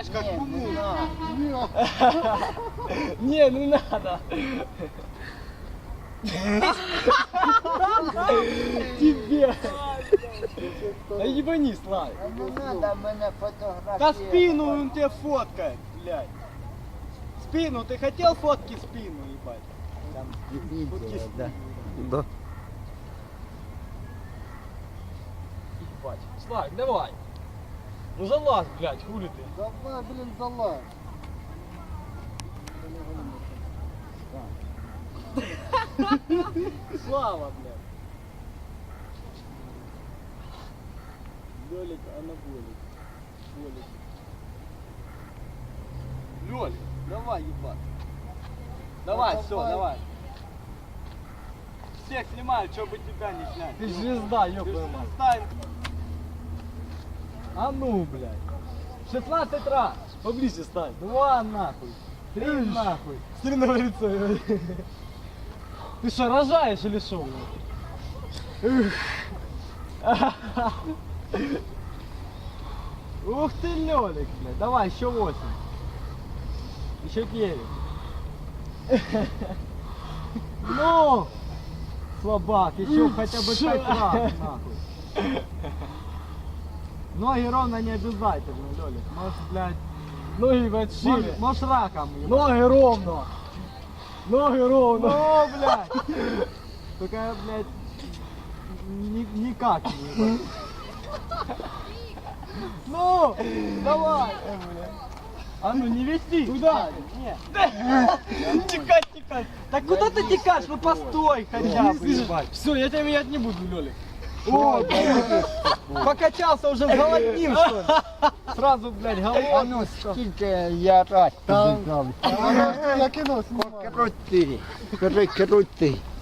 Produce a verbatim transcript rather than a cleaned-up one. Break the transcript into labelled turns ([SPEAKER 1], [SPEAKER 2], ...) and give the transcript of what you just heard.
[SPEAKER 1] собачка,
[SPEAKER 2] Не,
[SPEAKER 1] кому?
[SPEAKER 2] не надо.
[SPEAKER 1] Не, не надо. Тебе. Да ебани, Славик.
[SPEAKER 2] А не надо мене
[SPEAKER 1] Да
[SPEAKER 2] фотографировать.
[SPEAKER 1] спину он тебе фоткает, блядь. Спину, ты хотел фотки спину, ебать? Там фотки спину.
[SPEAKER 2] да.
[SPEAKER 3] Да.
[SPEAKER 1] Ебать. Славик, давай. Ну залазь, блядь, хули ты.
[SPEAKER 2] Давай, блин, залазь.
[SPEAKER 1] Слава, блядь. Лёлик, анаболик. Лёлик. Лёлик, давай, ебать. Давай,
[SPEAKER 2] Ну,
[SPEAKER 1] все,
[SPEAKER 2] давай.
[SPEAKER 1] давай. Всех снимают, чтобы тебя не снять. Ты звезда, ёбаная мать. А ну, блядь. шестнадцать раз. Поближе стань. Два нахуй. Три нахуй. Смотри на лицо. Ты что, рожаешь или что? Ух ты, Лёлик, блядь. Давай, еще восемь. Еще девять. Ну! Слабак, еще хотя бы пять раз, нахуй. Ноги ровно не обязательно, Лёлик. Может, блядь, ноги, блядь, шире. Можешь, можешь раком. Ноги ровно. Ноги ровно. Ну, блядь. Только, блядь, ни, никак не ебать. Ну, давай. А ну не вести. Туда. Нет. Текать, текать. Так куда ты текаешь? Ну постой хотя бы, ебать. Все, я тебя менять не буду, Лёлик. О, покачался уже, голоднил, что ли? Сразу, блядь,
[SPEAKER 2] А ну,
[SPEAKER 1] голодный.
[SPEAKER 2] скільки я раз тобі знав.
[SPEAKER 4] Я кинув, знімаю.
[SPEAKER 2] Крути, скажи, крути.